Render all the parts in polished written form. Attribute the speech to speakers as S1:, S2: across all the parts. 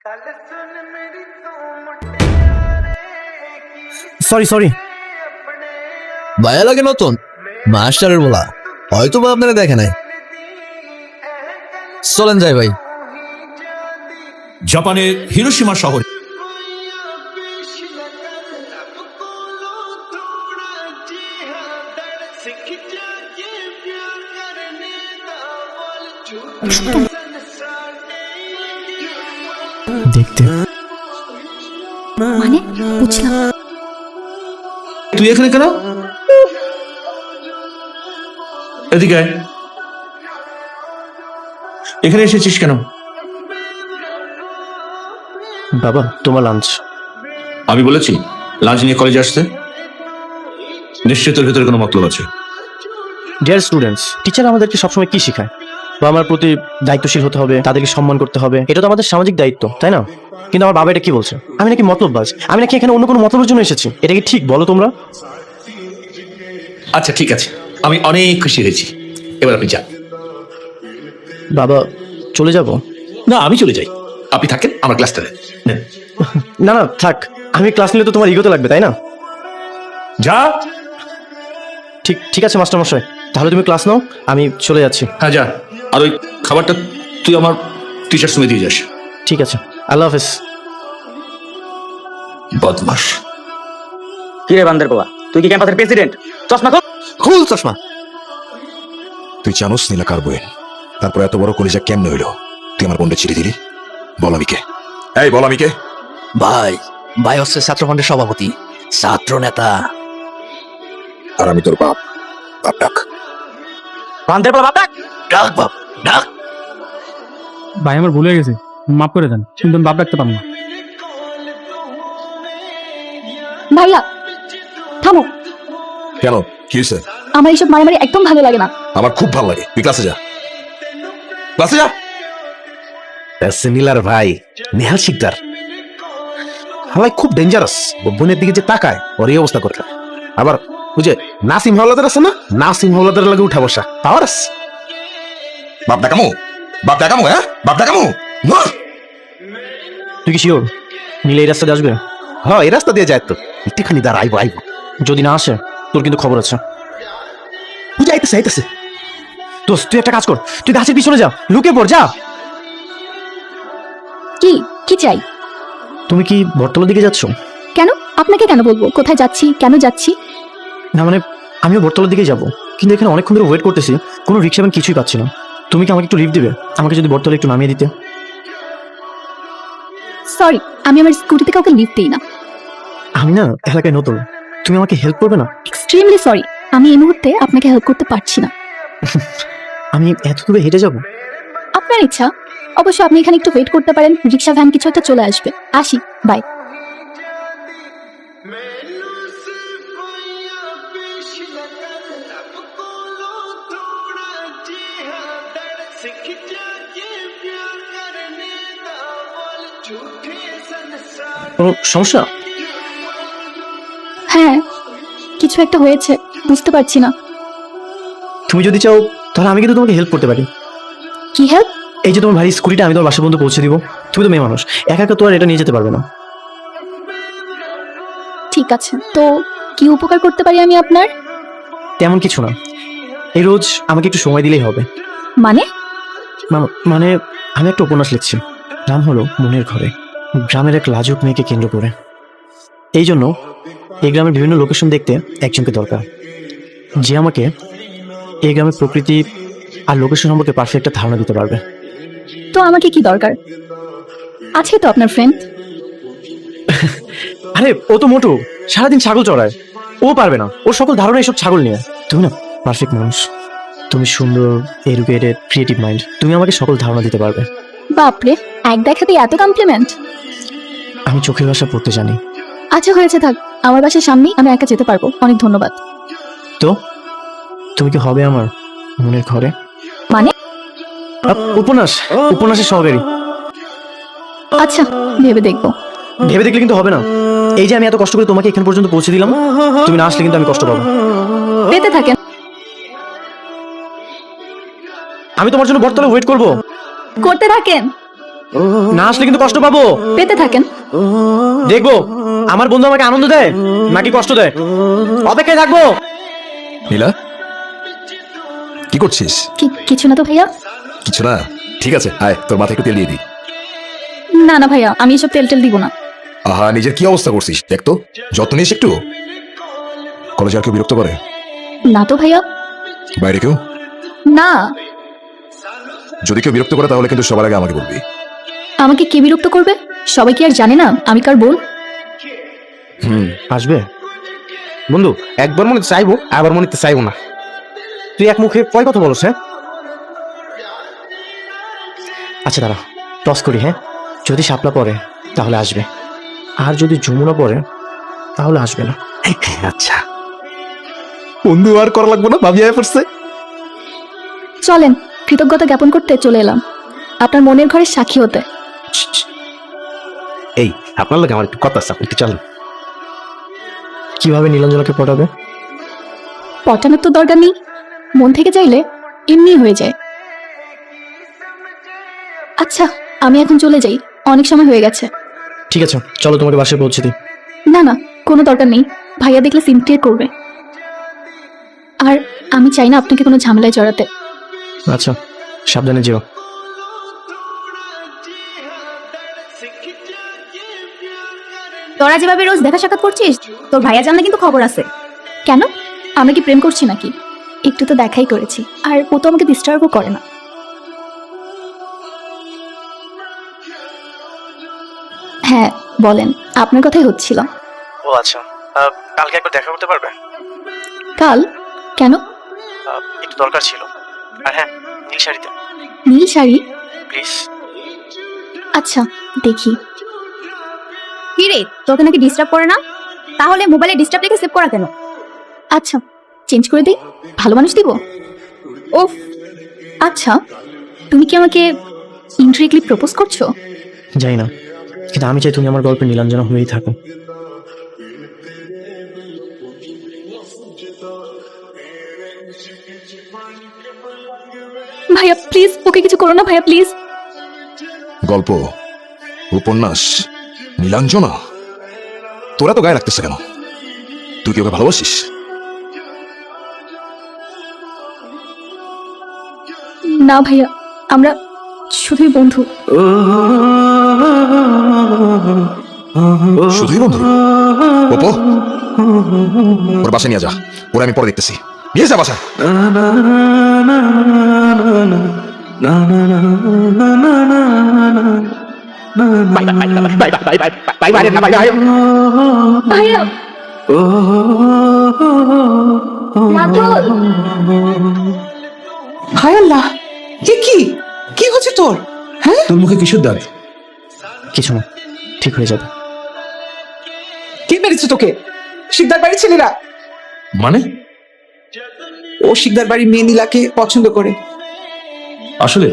S1: Sorry sorry
S2: ভাইয়া লাগে নতুন মাস্টারের বলা, হয়তো বা আপনারা দেখে নাই। চলেন যাই ভাই।
S3: জাপানের হিরোশিমা শহর
S1: দেখতে
S4: মানে বুঝলাম।
S3: তুই এখানে কেন? এদিকে আয়। এখানে এসেছিস কেন?
S1: বাবা তোমার লাঞ্চ।
S3: আমি বলেছি লাঞ্চ নিয়ে কলেজে আসতে? নিশ্চয় তোর ভেতরে কোনো মতলব আছে।
S1: ডিয়ার স্টুডেন্টস, টিচার আমাদেরকে সবসময় কি শেখায়? বাবা মার প্রতি দায়িত্বশীল হতে হবে, তাদেরকে সম্মান করতে হবে, এটা তো আমাদের সামাজিক দায়িত্ব, তাই না? কিন্তু আমার বাবা এটা কি বলছে? আমি নাকি মতলববাজ, আমি নাকি এখানে অন্য কোনো মতলবের জন্য এসেছি। এটা কি ঠিক বলো তোমরা?
S3: আচ্ছা ঠিক আছে, আমি অনেক খুশি হয়েছি। এবার আপনি যান।
S1: বাবা চলে যাব?
S3: না, আমি চলে যাই, আপনি থাকেন, আমার ক্লাসটা নেন।
S1: না না থাক, আমি ক্লাস নিলে তো তোমার ইগোতে লাগবে, তাই না?
S3: যা।
S1: ঠিক ঠিক আছে মাস্টার মশাই, তাহলে তুমি ক্লাস নাও, আমি চলে যাচ্ছি।
S3: হ্যাঁ যা, আর ওই খাবারটা তুই আমার টিচার সঙ্গে দিয়ে যাস।
S1: ঠিক আছে, আল্লাহ হাফেজ।
S3: বদমাস।
S5: কি রে বান্দের বাবা, তুই কি ক্যাম্পাসের প্রেসিডেন্ট? চশমা খোল।
S2: খুল চশমা।
S6: তুই জানোস নীলা কার বই? তারপর এত বড় কলিজা কেমনে হইলো? তুই আমার বোনটা চিঠি দিলি? বল আমি কে? এই বল আমি কে?
S2: ভাই ভাই হচ্ছে ছাত্র ফ্রন্টের সভাপতি, ছাত্র নেতা।
S6: আর আমি তোর বাপ। বাপ ডাক।
S5: বান্দের বাবা ডাক।
S2: ডাক বাপ ডাক।
S7: ভাই আমার ভুল হয়ে গেছে, মাফ করে দেন, কিন্তু আমি বাপ ডাকতে পারবো না।
S4: ভাইয়া থামো,
S6: কেন কি হয়েছে?
S4: আমার এইসব মারামারি একদম ভালো লাগে না।
S6: আমার খুব ভালো লাগে। তুই ক্লাসে যা, ক্লাসে যা।
S8: নীলার ভাই নেহাল শিকদার হালাই খুব ডেঞ্জারাস। বোনের দিকে যে তাকায় ওর এই অবস্থা করে। আবার ওই যে নাসিম হাওলাদার আছে না, নাসিম হাওলাদার লাগে উঠা বসা পাওয়ার আছে।
S6: বাপ ডাকামু, বাপ ডাকামু, হ্যাঁ বাপ ডাকামু।
S1: তুই কি শিওর নীলা এই রাস্তা দিয়ে আসবে?
S8: হ্যাঁ এই রাস্তা দিয়ে যায় তো, একটুখানি দাঁড়া, আইবো আইবো।
S1: যদি না আসে তোর কিন্তু খবর আছে।
S8: বুঝা আইতেছে আইতেছে।
S1: দোস্ত তুই একটা কাজ কর, তুই গাছের পিছনে যা, লুকে পড় যা।
S4: কি কি চাই?
S1: তুমি কি বটতলার দিকে যাচ্ছ?
S4: কেন? আপনাকে কেন বলবো কোথায় যাচ্ছি, কেন যাচ্ছি?
S1: না মানে আমিও বটতলার দিকে যাব, কিন্তু এখানে অনেকক্ষণ ধরে ওয়েট করতেছি, কোনো রিক্সা এবং কিছুই পাচ্ছি না। তুমি কি আমাকে একটু লিফট দিবে? আমাকে যদি বটতলা একটু নামিয়ে দিতে।
S4: সরি, আমি আমার স্কুটিতে কাউকে লিফট দিই না।
S1: আমি না এলাকায় নতুন, তুমি আমাকে হেল্প করবে না?
S4: এক্সট্রিমলি সরি, আমি এই মুহূর্তে আপনাকে হেল্প করতে পারছি না।
S1: আমি এত দূরে হেঁটে যাব?
S4: আপনার ইচ্ছা, অবশ্য আপনি এখানে একটু ওয়েট করতে পারেন, রিক্সা ভ্যান কিছু একটা চলে আসবে। আসি, বাই।
S1: কোনো সমস্যা?
S4: হ্যাঁ, কিছু একটা হয়েছে, বুঝতে পারছি না।
S1: তুমি যদি চাও তাহলে আমি কিন্তু তোমাকে হেল্প করতে পারি।
S4: কি হেল্প?
S1: এই যে তোমার ভারী স্কুটিটা আমি তোমার বাসা পর্যন্ত পৌঁছে দিব। তুমি তো মেয়ে মানুষ, একা একা তো আর এটা নিয়ে যেতে পারবে না।
S4: ঠিক আছে, তো কি উপকার করতে পারি আমি আপনার?
S1: তেমন কিছু না, এই রোজ আমাকে একটু সময় দিলেই হবে।
S4: মানে?
S1: মানে আমি একটা উপন্যাস লিখছি, নাম হলো মনের ঘরে, গ্রামের এক লাজুক মেয়েকে কেন্দ্র করে। এই জন্য এই গ্রামের বিভিন্ন লোকেশন দেখতে একজনকে দরকার, যে আমাকে এই গ্রামের প্রকৃতি আর লোকেশন সম্পর্কে পারফেক্ট একটা ধারণা দিতে পারবে।
S4: তো আমাকে কি দরকার? আছে তো আপনার ফ্রেন্ড।
S1: আরে ও তো মোটু, সারাদিন ছাগল চড়ায়, ও পারবে না, ওর সকল ধারণা এইসব ছাগল নিয়ে। তুমি না পারফেক্ট মানুষ, তুমি সুন্দর, এডুকেটেড, ক্রিয়েটিভ মাইন্ড, তুমি আমাকে সকল ধারণা দিতে পারবে।
S4: বাপরে, এক দেখাতে এত কমপ্লিমেন্ট।
S1: আমি চোখের ভাষা পড়তে জানি।
S4: আচ্ছা হয়েছে, থাক, আমার বাসার সামনেই, আমি একা যেতে পারবো। অনেক ধন্যবাদ।
S1: তো তুমি কি হবে আমার মনের ঘরে?
S4: মানে?
S1: উপন্যাসের সহকারী।
S4: আচ্ছা, ভেবে দেখবো।
S1: ভেবে দেখলে কিন্তু হবে না। এই যে আমি এত কষ্ট করে তোমাকে এখান পর্যন্ত পৌঁছে দিলাম, তুমি না আসলে কিন্তু আমি কষ্ট পাবো।
S4: পেতে থাকেন।
S1: আমি তোমার জন্য বটতলায় ওয়েট করবো।
S4: করতে থাকেন।
S1: না আসলে কিন্তু কষ্ট পাবো।
S4: পেতে থাকেন।
S1: দেখবো আমার বন্ধু আমাকে আনন্দ দেয় নাকি কষ্ট দেয়। অপেক্ষায় থাকবো।
S6: নীলা, কি করছিস?
S4: কিছু না তো ভাইয়া।
S6: কিছু না, ঠিক আছে, আয় তোর মাথায় একটু তেল দিয়ে দিই।
S4: না না ভাইয়া, আমি এসব তেল টেল দিব না।
S6: আহা, নিজের কি অবস্থা করছিস দেখ তো, যত্ন নিস একটু। কলেজে আর কেউ বিরক্ত করে?
S4: না তো ভাইয়া।
S6: বাইরে কেউ?
S4: না।
S6: যদি কেউ বিরক্ত করে তাহলে কিন্তু সবার আগে আমাকে বলবি।
S4: আমাকে কে বিরক্ত করবে? সবাই কি আর জানে না আমি কার বোন?
S1: আসবে?
S8: বন্ধু, একবার মনে চাইবো, আবার মনে চাইবো না।
S1: তুই এক মুখে কয় কথা বলছ? হ্যাঁ আচ্ছা দাঁড়া, টস করি। হ্যাঁ, যদি শাপলা পড়ে তাহলে আসবে, আর যদি যমুনা পড়ে তাহলে আসবে না।
S8: আচ্ছা বন্ধু, আর করা লাগবো না, ভাবি আয় পড়ছে।
S4: চলেন, কৃতজ্ঞতা জ্ঞাপন করতে চলে এলাম আপনার মনের ঘরের সাক্ষী হতে।
S8: এই আপনার লোক আমার একটু কথা আছে, আপনি একটু চলেন।
S1: কিভাবে নীলাঞ্জনাকে পটাবে?
S4: পটানোর তো দরকার নেই, মন থেকে চাইলে এমনি হয়ে যায়। আচ্ছা আমি এখন চলে যাই, অনেক সময় হয়ে গেছে।
S1: ঠিক আছে, চলো তোমাকে বাসায় পৌঁছে দিই।
S4: না না, কোনো দরকার নেই, ভাইয়া দেখলে সিন ক্লিয়ার করবে। আর আমি চাই না আপনাকে কোনো ঝামেলায় জড়াতে।
S1: আচ্ছা, সাবধানে যেও।
S4: তোরা যেভাবে রোজ দেখা সাক্ষাৎ করছিস, তোর ভাইয়া জানলে কিন্তু খবর আছে। কেন? আমরা কি প্রেম করছি নাকি? একটু তো দেখাই করেছি, আর ও তো আমাকে ডিস্টার্বও করে না। হ্যাঁ বলেন, আপনার কথাই হচ্ছিল।
S1: ও আচ্ছা, কালকে একবার দেখা করতে পারবে?
S4: কাল? কেন?
S1: একটু দরকার ছিল। আর হ্যাঁ, নীল শাড়িতে।
S4: নীল শাড়ি?
S1: প্লিজ।
S4: আচ্ছা দেখি। কি রে, তোকে নাকি ডিস্টার্ব করে না? তাহলে মোবাইলে ডিস্টার্ব লিখে সেভ করা কেন? আচ্ছা চেঞ্জ করে দিই, ভালো মানুষ দিব। ওফ। আচ্ছা তুমি কি আমাকে ইনডিরেক্টলি প্রপোজ করছো?
S1: যাই না, কিন্তু আমি চাই তুমি আমার গল্পে নীলাঞ্জনা হয়েই থাকো।
S4: ভাইয়া প্লিজ, ওকে কিছু করো না ভাইয়া প্লিজ।
S6: গল্প, উপন্যাস, নীলাঞ্জনা, তোরা তো গায়ে লাগতেছে কেন? তুই কি ওকে ভালোবাসিস?
S4: না ভাইয়া, আমরা শুধুই বন্ধু।
S6: শুধুই বন্ধু? ওপো, ওর বাসায় নিয়ে যা, ওরা আমি পরে দেখতেছি। নিয়ে যা বাসায়।
S4: ভাইয়া মাধুর।
S9: হায় আল্লাহ, কি কি হচ্ছে তোর? হ্যাঁ,
S3: তোর মুখে কিসের দাঁত?
S1: কিছু না, ঠিক হয়ে যাবে।
S9: কে মেরেছে তোকে? শিকদার বাড়ির ছেলেরা।
S3: মানে?
S9: ও শিকদার বাড়ির মেয়ে নীলাকে পছন্দ করে।
S3: আসলে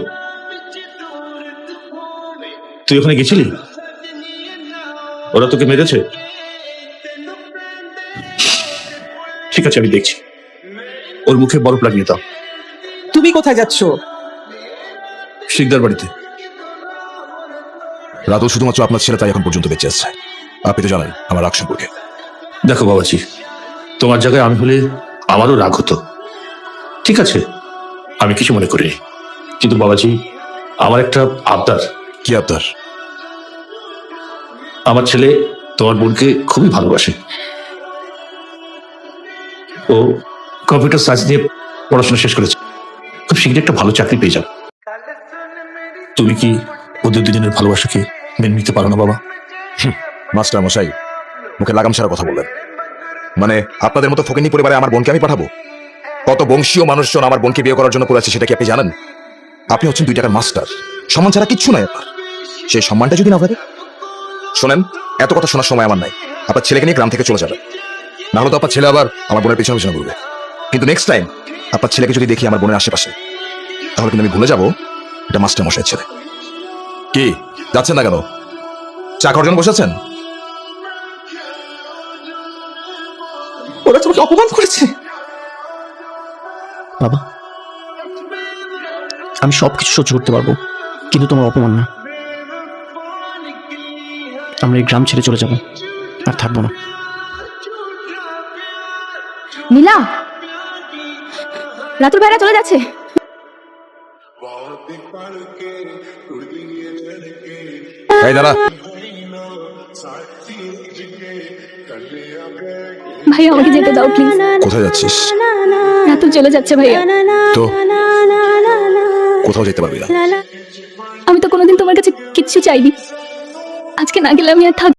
S3: তুই ওখানে গেছিলি? ওরা তোকে মেরেছে? ঠিক আছে, আমি দেখছি। ওর মুখে বরফ লাগিয়ে দাও।
S9: তুমি কোথায় যাচ্ছ?
S3: শিকদার বাড়িতে।
S6: রাতুল শুধুমাত্র আপনার ছেলে তাই এখন পর্যন্ত বেঁচে আছে। আপনি তো জানেন আমার রাগ সম্পর্কে।
S3: দেখো বাবাজি, তোমার জায়গায় আমি হলে আমারও রাগ হতো। ঠিক আছে, আমি কিছু মনে করিনি, কিন্তু বাবাজি আমার একটা আবদার।
S6: কি আপনার?
S3: আমার ছেলে তোমার বোনকে খুবই ভালোবাসে। ও কম্পিউটার সায়েন্স নিয়ে পড়াশোনা শেষ করেছে, খুব শীঘ্রই একটা ভালো চাকরি পেয়ে যাবে। তুমি কি ওদের দুজনের ভালোবাসাকে মেনে নিতে পারো না বাবা?
S6: মাস্টার মশাই, মুখে লাগাম ছাড়া কথা বললেন। মানে আপনাদের মতো ফকিনী পরিবারে আমার বোনকে আমি পাঠাবো? কত বংশীয় মানুষজন আমার বোনকে বিয়ে করার জন্য পড়েছে সেটা কি আপনি জানেন? আপনি হচ্ছেন 2 টাকার মাস্টার, সম্মান ছাড়া কিচ্ছু নাই আপনার। সেই সম্মানটা যদি না পারে, শোনেন, এত কথা শোনার সময় আমার নাই। আপনার ছেলেকে নিয়ে গ্রাম থেকে চলে যাবে, না হলে তো আপনার ছেলে আবার আমার বোনের পিছনে পিছনে ঘুরবে। কিন্তু নেক্সট টাইম আপনার ছেলেকে যদি দেখি আমার বোনের আশেপাশে, তাহলে কিন্তু আমি ভুলে যাবো এটা মাস্টার মশাইয়ের ছেলে। কি যাচ্ছেন না কেন? চা খাওয়ার জন্য বসেছেন?
S9: ওরা তোমাকে অপমান করেছে।
S1: বাবা, আমি সবকিছু সহ্য করতে পারবো, কিন্তু তোমার অপমান না। আমরা এই গ্রাম ছেড়ে চলে যাব, আর থাকবো না।
S4: নীলা, রাতুল ভাইরা চলে যাচ্ছে।
S6: এই দাঁড়া,
S4: ভাইয়া আমাকে যেতে দাও প্লিজ।
S6: কোথায় যাচ্ছিস?
S4: রাতুল চলে যাচ্ছে ভাইয়া।
S6: তো কোথাও যেতে পারবি না।
S4: আমি তো কোনোদিন তোমার কাছে কিচ্ছু চাইনি, আজকে না গেলে আমি আর থাকবো